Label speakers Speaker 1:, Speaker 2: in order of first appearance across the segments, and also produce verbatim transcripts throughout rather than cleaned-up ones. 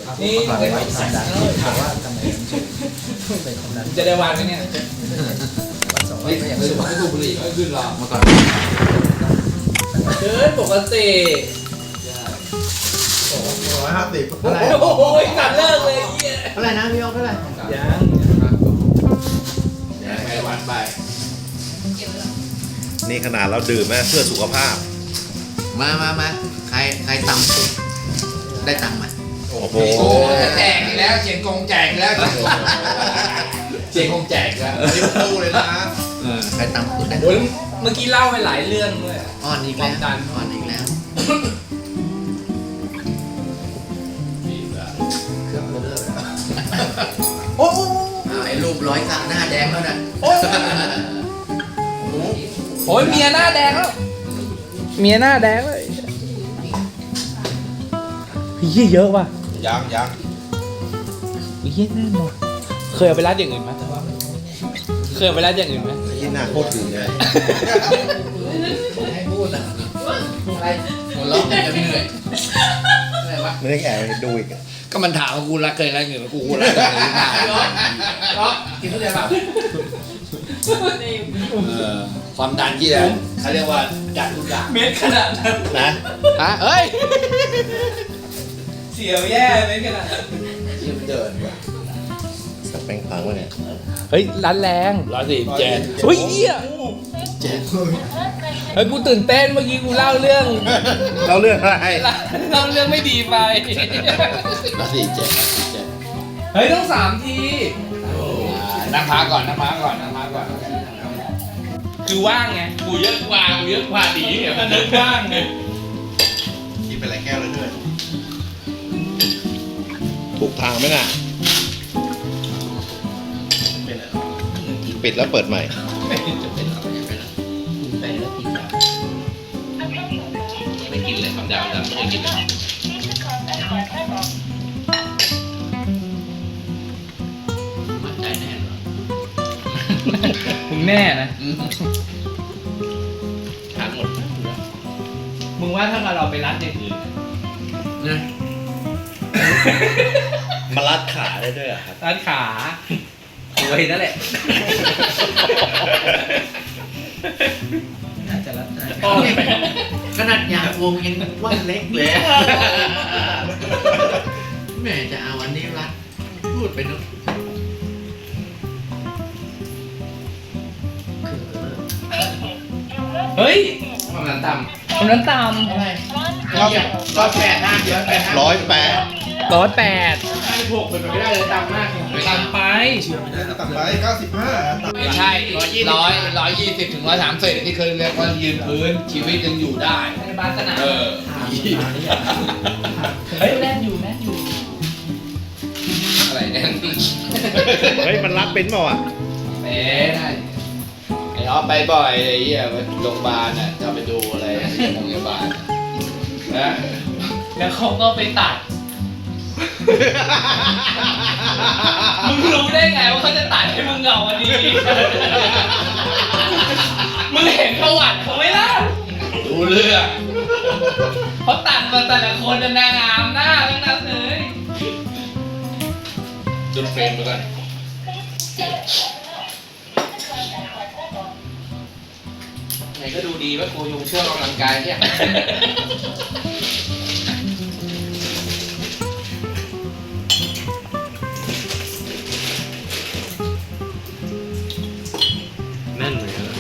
Speaker 1: นี่
Speaker 2: เป็นความดันแต่ว่าทำไมมันเป็นความดัน
Speaker 1: จะได้วันไหมเนี่ย
Speaker 2: วันสองวัน
Speaker 1: ไม่
Speaker 2: ก็ยัง
Speaker 1: ไม่
Speaker 2: สูง
Speaker 1: ไม่ถูกบุหรี่ไม่ขึ้นหรอก
Speaker 3: เมื่อก่อน
Speaker 1: เดินปกติ
Speaker 4: ร้อยห้าสิบ
Speaker 1: โอ้โหตัดเลิกเลยเหี้ย
Speaker 2: เท่าไหร่นะพี่ยกเท่าไหร่
Speaker 1: ยัง
Speaker 3: ไปวันไป
Speaker 4: นี่ขนาดเราดื่มนะเพื่อสุขภาพ
Speaker 3: มามามาใครใครต่ำสุดได้ตังค์ไหม
Speaker 4: โอ้โห
Speaker 1: โอ้แจกอีกแล้วเชียงกงแจกอีกแล้วเชียงกงแจกอีกแล้ว
Speaker 4: นี่ตู้เลยนะ
Speaker 3: ใครต่ำสุดได้
Speaker 1: โอ้ยเมื่อกี้เล่าไปหลายเรื่องด้วย
Speaker 3: อ่อนอีกแล้วอ่อนอีกแล้ว
Speaker 2: เครื่องเบลอแล้ว
Speaker 1: โอ้โห
Speaker 3: อ้าวไอ้รูปร้อยสักหน้าแดงแล้วน่ะ
Speaker 1: โอ้ยเมียหน้าแดงแล้วเมียหน้าแดงเลยพี่เยอะว่ะ
Speaker 4: ยังยัง
Speaker 1: พี่แน่นอนเคยเอาไปร้านอย่างอื่นไหมเคยเอาไปร้านอย่างอื่นไหม
Speaker 4: ที่หน้าโคตรดื่มเลย
Speaker 2: ให้พูดอ่ะ
Speaker 3: อะไรหัวเราะจะเหนื่อยอะไรวะ
Speaker 4: ไม่ได้แอบดูอีก
Speaker 3: ก็มันถามว่ากูรักเคยรักเงินกูกูรักเงินหรือเปล่า
Speaker 1: ก็กินทุเรียนเปล่า
Speaker 3: เออความดันที่แล้วเขาเรียกว่าดันทุกอย่าง
Speaker 1: เม็ดขนาดนั้น
Speaker 4: นะ
Speaker 3: ฮะเอ้ย
Speaker 1: เสียวแย่เม็ดขนาดนั้น
Speaker 3: ที่มันเดินว่ะ
Speaker 4: สับแป้งพังวะเนี่ย
Speaker 1: เฮ้ยร้านแรง
Speaker 3: ร้อยสี่เจ็ด
Speaker 1: เฮ้ยเหี้ย
Speaker 3: เจ็ด
Speaker 1: เฮ้ยกูตื่นเต้นเมื่อกี้กูเล่าเรื่อง
Speaker 4: เราเรื่องอะไร
Speaker 1: เล่าเรื่องไม่ดีไป
Speaker 3: ร้อยสี่เจ็ดเจ็ด
Speaker 1: เฮ้ยต้องสามที
Speaker 3: นั่งพักก่อนนั่งพักก่อนนั่งพักก่อน
Speaker 1: คือว่างไง
Speaker 3: กูเยอะกว่ากูเยอะกว่าดีเนี่ย
Speaker 1: มันนึกว่างไง
Speaker 4: กินไปหลายแก้วแล้วด้วยถูกทางไหมน่ะ
Speaker 3: เป็นอะไร
Speaker 4: ปิดแล้วเปิดใหม่
Speaker 3: จะเป็นอะไรไม่เป็นไร
Speaker 2: ไปแล้วกินแบบ
Speaker 3: ไม่กินเลยคำดาวดำไม่กินเลยมั่นใจแน่เหรอ
Speaker 1: มึงแน่นะ
Speaker 3: ทานหมด
Speaker 1: มึงว่าถ้าเราไปร้านอย่างอื่น
Speaker 3: นะ
Speaker 4: มารัดขาได้ด้วยอ่ะครับ
Speaker 1: ร้านขาโวยนั่นแหละ
Speaker 2: น่าจะรับได้
Speaker 1: โอ้ย
Speaker 3: ขนาดยางวงยังว่าเล็กเลยแม่จะเอาอันนี้รัดพูดไปเนอะ
Speaker 1: เฮ้ย
Speaker 3: ความดันต่
Speaker 1: คนนั้นต่
Speaker 3: ำอะไรร้อยร้อยแปดห้าเยอะแปดห้า
Speaker 4: ร้อยแปด
Speaker 1: ำร้อยแปด
Speaker 3: ห้าหกเป็นไปไม่ได้เลยต่ำมาก
Speaker 1: ต่ำไป
Speaker 4: ต่ำไปเก้าสิบห้า
Speaker 3: ไม่ใช่ร้อยยี่ร้อยร้อยยี่สิบถึงร้อยสามสิบที่เคยเรียกว่ายืนพื้นชีวิตยังอยู่ได้
Speaker 1: ในบ้านสนาม
Speaker 3: เออ
Speaker 1: เฮ้ยแน่นอยู่แน่นอยู่
Speaker 3: อะไรเนี่ย
Speaker 4: เฮ้ยมันรัดเป็นเปล่าอ่ะ
Speaker 3: เอ๊ะได้ไอ้ออฟไปบ่อยไอ้เหี้ยไปโรงพยาบาลน่ะจะไปดูอะไรที่โรงพยาบาลนะ
Speaker 1: แล้วเขาก็ไปตัด มึงรู้ได้ไงว่าเขาจะตัดให้มึงเหงาวันนี้ มึงเห็นประวัติเขาไหมล่ะ
Speaker 3: ดูเรื่อง
Speaker 1: เขาตัดมาแต่ละคนจะนางงามหน้าทั้งนั้นเลย
Speaker 3: จุดเฟรมไปก่อน ไหนก็ดูดีว่ากูอยู่ช่วงออกกำลังกายเนี่ย
Speaker 4: แน่นเลย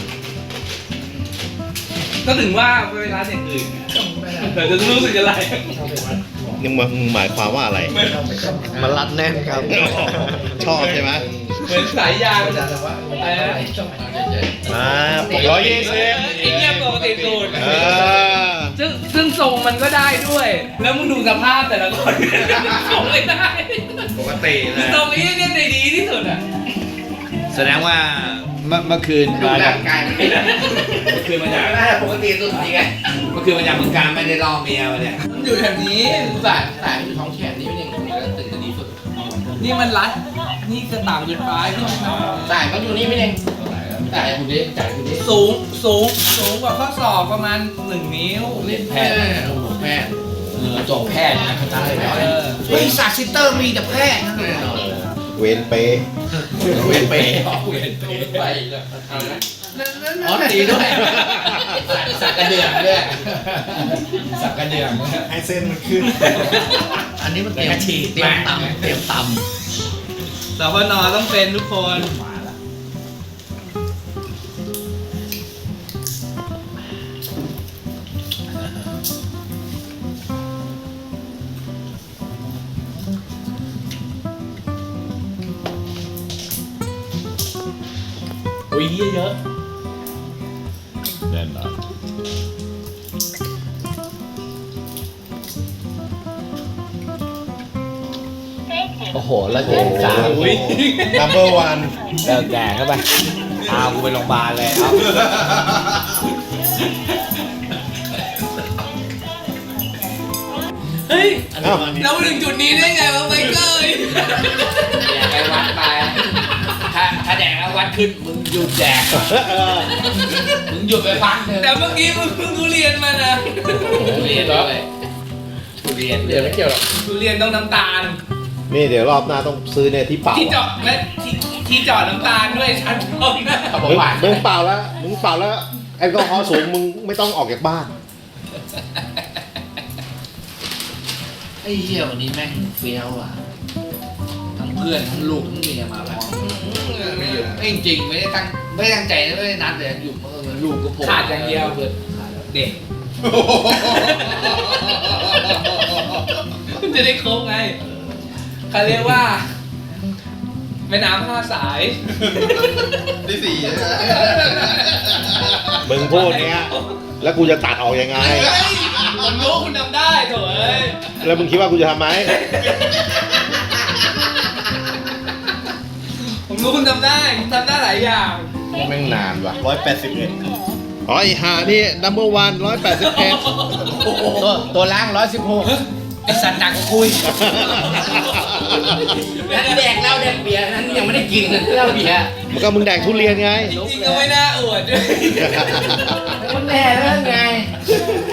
Speaker 1: ก็ถึงว่าเวลาอย่างอื่นแต่จะรู้สึกอะไร
Speaker 4: นี่มึงมึงหมายความว่าอะไร
Speaker 2: มันรัดแน่นครับ
Speaker 4: ชอบใช่ไหม
Speaker 1: เหมือนสายยาง
Speaker 2: แต่ว่า
Speaker 1: อะไรนะ
Speaker 4: อ่าร้อยยี่สิบ
Speaker 1: ไอ้เงี้ยปกติสูตร
Speaker 4: เออ
Speaker 1: ซึ่งซึ่งทรงมันก็ได้ด้วย แล้วมึงดูสภาพแต่ละคนทรงไม่ได้
Speaker 3: ปกติเล
Speaker 1: คือย ทรงนี้เนี่ยในดีที่สุดอ่ะ
Speaker 3: แสดงว่าเมื่อเมื่อคืนดูร่างกายเมื่อคืนมาจาก
Speaker 2: น่าจะปกติสุดจริงไง
Speaker 3: เมื่อคืนมาจากเมืองการไม่ได้ล่อเมียมาเนี่ย
Speaker 1: มันอยู่แถวนี้
Speaker 3: สายสายอยู่ท้องแขนนี่ไม่ยังคงจะตื่นจะดีสุด
Speaker 1: นี่มันรัด นี่จะต่ำเกินไปที่มัน
Speaker 3: สายก็อยู่นี่ไม่ยังสายคุณดิสายคุณดิ
Speaker 1: สูงสูงสูงกว่าข้อศอกประมาณหนึ่งนิ้ว
Speaker 3: เล่นแพทย์โอ้โหแพทย์เออจบแพทย์นะเขาจะให้แพทย์
Speaker 1: เออ
Speaker 3: เฮ้บริษัทซิสเตอร์มีแต่แพร่นั่นเลย
Speaker 4: เวนเปย์
Speaker 3: เวนเปย์
Speaker 2: เวียนเปย์
Speaker 3: ไปแล้วอ๋อตีด้วยสักกระเดื่องด้วย
Speaker 2: สักกระเดื่องให้เส้นมันขึ้น
Speaker 3: อันนี้มันเตรียมฉีดเตรียมตำเตรียมต
Speaker 1: สพนต้องเป็นทุกคน
Speaker 2: มาละ
Speaker 1: อุ้ยเยอะ
Speaker 4: แน่นอน
Speaker 3: โอ้โหแล้วเจ็ดสาม
Speaker 1: อุ้ย
Speaker 4: number one
Speaker 3: เลิกแดงเข้าไปพากูไปโรงพยาบาลเลยเอา
Speaker 1: เฮ้ย
Speaker 4: อ้าว
Speaker 1: เรามาถึงจุดนี้ได้ไงวะไมเคิล
Speaker 3: แดกไปวัดไปถ้าถ้าแดกแล้ววัดขึ้นมึงหยุดแดกมึงหยุดไปพักหนึ่ง
Speaker 1: แต่เมื่อกี้มึงเพิ่งทุเรียนมานะ
Speaker 3: ทุเรียนด้วยทุเรียนเดี๋ยวไม่เกี่ยวหรอก
Speaker 1: ทุเรียนต้องน้ำตาล
Speaker 4: นี่เดี๋ยวรอบหน้าต้องซื้อเนี่ยที่เปล่า
Speaker 1: ที่เจาะและที่ที่เจาะน้ำตาลด้วยชั้นตรงนะ
Speaker 3: เขาบอก
Speaker 4: มึง
Speaker 3: หวาน
Speaker 4: มึงเปล่าแล้วมึงเปล่าแล้วแอลกอฮอล์สูงมึงไม่ต้องออกจากบ้าน
Speaker 3: ไอ้เหี้ยวันนี้แม่งเฟี้ยวอ่ะทั้งเพื่อนทั้งลูกทั้งเมียมาแล้วไม่หยุดไม่จริงไม่ได้ตั้งไม่ได้ตั้งใจไม่ได้นัดเลยอยู่เมื่อลูกก็โผล่
Speaker 1: ขาดอย่างเดียว
Speaker 3: เพื่อนขาดแล้ว
Speaker 1: เด็กจะได้ครบไงเขาเรียกว่าแม่น้ำห้าสาย
Speaker 3: ที่สี่
Speaker 4: มึงพูดเนี้ยแล้วกูจะตัดออกยังไง
Speaker 1: เฮ้ยผมรู้คุณทำได้โถ่เอ้ย
Speaker 4: แล้วมึงคิดว่ากูจะทำไหม
Speaker 1: ผมรู้คุณทำได้คุณทำได้หลายอย่าง
Speaker 3: แม่งนานว่ะ
Speaker 4: ร้อยแปดสิบเอ็ดอ๋อไอหานี่ number one ร้อยแปดสิบเอ็ด
Speaker 3: ตัวตัวล่างร้อยสิบหก
Speaker 1: ไอสัตว์หนักกว่าคุย
Speaker 3: แดกเหล้าแดกเบียร์นั้นยังไม่ได้กินเลยเหล้าเบียร์
Speaker 4: มันก็มึงแดกทุเรียนไง
Speaker 1: จริงๆก็ไม่น่าอวดด้วย
Speaker 3: มันแน่แล้วไง